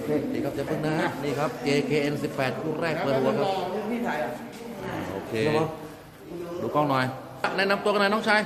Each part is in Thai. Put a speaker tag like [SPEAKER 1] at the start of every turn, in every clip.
[SPEAKER 1] นี่ครับจะเพิ่งนะนี่ครับ JKN18 คู่แรกเปิดหัวครับโอเคดูกล้องหน่อยแนะนำตัวกันหน่อยน้องชาย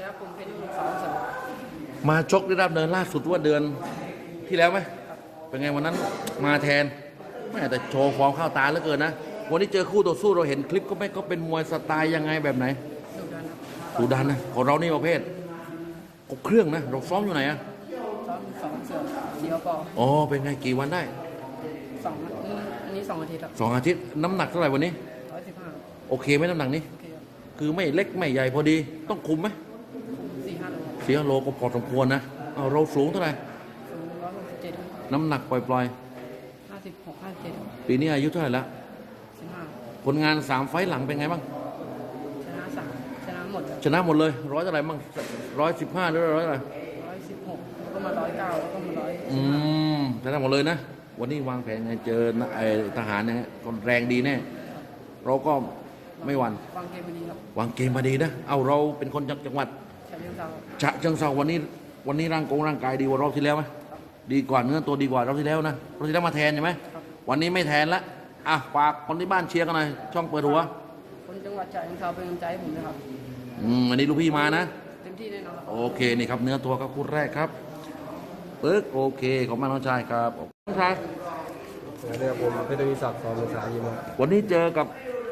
[SPEAKER 1] มาชกได้รับเดินล่าสุดว่าเดือนที่แล้วไหมเป็นไงวันนั้นมาแทนไม่แต่โชว์ฟอร์มเข้าตาเหลือเกินนะวันนี้เจอคู่ต่อสู้เราเห็นคลิปก็เป็นมวยสไตล์ยังไงแบบไหนดุดันนะของเรานี่ประเภทครบเครื่องนะเราซ้อมอยู่ไหนอะ
[SPEAKER 2] ซ้อม2 เสือสีกระปอ
[SPEAKER 1] อ๋อเป็นไงกี่วันได้
[SPEAKER 2] อันนี้2 อาทิตย์ครับ
[SPEAKER 1] 2 อาทิตย์น้ำหนักเท่าไหร่วันนี้
[SPEAKER 2] 115
[SPEAKER 1] โอเคไหมน้ำหนักนี้
[SPEAKER 2] โอเคครับ
[SPEAKER 1] คือไม่เล็กไม่ใหญ่พอดีต้องคุมไหม
[SPEAKER 2] 4-5 โล
[SPEAKER 1] 4 โลก็พอสมควรนะเอาเราสูงเท่าไหร่
[SPEAKER 2] สูง167
[SPEAKER 1] น้ำหนักปล่อย
[SPEAKER 2] 56-57
[SPEAKER 1] ปีนี้อายุเท่าไหร่แล้ว
[SPEAKER 2] 15
[SPEAKER 1] ผลงาน3 ไฟต์หลังเป็นไงบ้าง
[SPEAKER 2] ชนะ3ชนะหมด
[SPEAKER 1] ชนะหมดเลยร้อยเท่าไหร่บ้าง115หรือร้อยเท่าไหร่
[SPEAKER 2] 116แล้วก็มา109แล้วก็มา
[SPEAKER 1] ชนะหมดเลยนะวันนี้วางแผนไงเจอไอ้ทหารเนี่ยคนแรงดีแน่เราก็ไม่หวั่น
[SPEAKER 2] วางเกมมาดีครับ
[SPEAKER 1] วางเกมมาดีนะเอาเราเป็นคนจังหวัดฉะเชิงเทราวันนี้ร่างกายดีกว่ารอบที่แล้วไหมดีกว่าเนื้อตัวดีกว่ารอบที่แล้วนะรอบที่แล้วมาแทนใช่ไหมวันนี้ไม่แทนละฝากคนที่บ้านเชียร์กันหน่อยช่องเปิดหัว
[SPEAKER 2] คนจังหวัดฉะเชิงเทราเป็นกำลังใจให้ผมนะครับ
[SPEAKER 1] อันนี้ลูกพี่มานะ
[SPEAKER 2] เต็มที่แน่นอน
[SPEAKER 1] โอเคนี่ครับเนื้อตัวก็คู่แรกครับปึ๊กโอเคขอบคุณน้องชายครับน้องชาย
[SPEAKER 3] เรียกผมเพชรวิศักดิ์สอนภาษายิม
[SPEAKER 1] วันนี้เจอกับ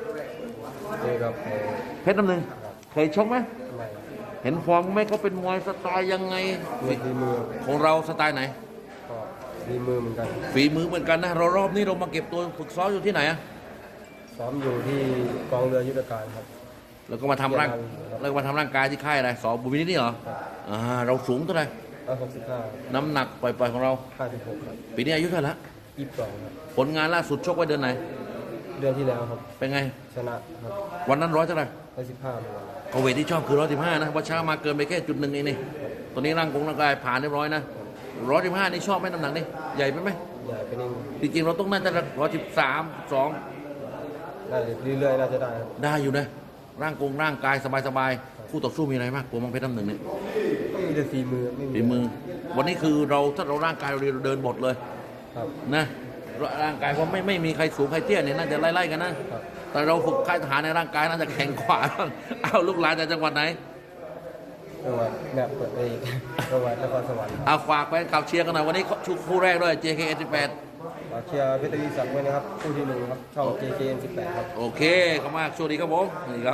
[SPEAKER 1] เพชรน้ำหนึ่งเคยชกไหมเห็นฟอร์มไหมเขาเป็นมวยสไตล์ยังไง
[SPEAKER 3] ฝีมือ
[SPEAKER 1] ของเราสไตล์ไหน
[SPEAKER 3] ก็ฝีมือเหมือนกัน
[SPEAKER 1] ฝีมือเหมือนกันนะรอบนี้เรามาเก็บตัวฝึกซ้อมอยู่ที่ไหนอะ
[SPEAKER 3] ซ้อมอยู่ที่กองเรือยุทธการครับ
[SPEAKER 1] แล้วก็มาทำร่างกายที่ค่ายอะไรสอบุญวินิจนี่เหรอเราสูงเท่าไหร่
[SPEAKER 3] 165
[SPEAKER 1] น้ำหนักปล่อยๆของเรา
[SPEAKER 3] 56ครับ
[SPEAKER 1] ปีนี้อายุเท่าไหร่ละ
[SPEAKER 3] 22ครับ
[SPEAKER 1] ผลงานล่าสุดชกไว้เดือนไหน
[SPEAKER 3] เดือนที่แล้วครับ
[SPEAKER 1] เป็นไง
[SPEAKER 3] ชนะครับ
[SPEAKER 1] วันนั้นร้อยเท่าไหร่
[SPEAKER 3] 115
[SPEAKER 1] เอาเวทที่ชอบคือ115นะว่าช้ามาเกินไปแค่จุดหนึ่งเองนี่ตอนนี้ร่างกายผ่านเรียบร้อยนะ115นี่ชอบไหมน้ำหนักนี่ใหญ่ไหม
[SPEAKER 3] ใหญ่ไปนิด
[SPEAKER 1] จริงๆเราต้องน่าจะ113 2
[SPEAKER 3] ได้เรื่อยๆน่าจะได้
[SPEAKER 1] อยู่นะร่างกายสบายๆคู่ต่อสู้มีอะไรมากกลัวมังเพชรน้ำหนึ่งเนี่ย
[SPEAKER 3] มีแต่ฝีมือ
[SPEAKER 1] วันนี้คือถ้าเราร่างกายเราเดินบทเลยนะร่างกายเพราะไม่มีใครสูงใครเตี้ยเนี่ยน่าจะไล่ๆกันนะแต่เราฝึกค่ายทหารในร่างกายน่าจะแข็งกว่าเอาลูกหลานจากจังหวัดไหน
[SPEAKER 3] จังหวัดแบบเปิดเองจังหวัดนครสวรรค์
[SPEAKER 1] เอาฝากแฟนคลับเชียร์กันหน่อยวันนี้ชุดคู่แรกด้วย JKN18
[SPEAKER 3] ฝากเชียร์เพชรวิศักดิ์ไว้นะครับคู่ที่1ครับช่อง JKN18 ครับ
[SPEAKER 1] โอเคขอบคุณมากสวัสดีครับผม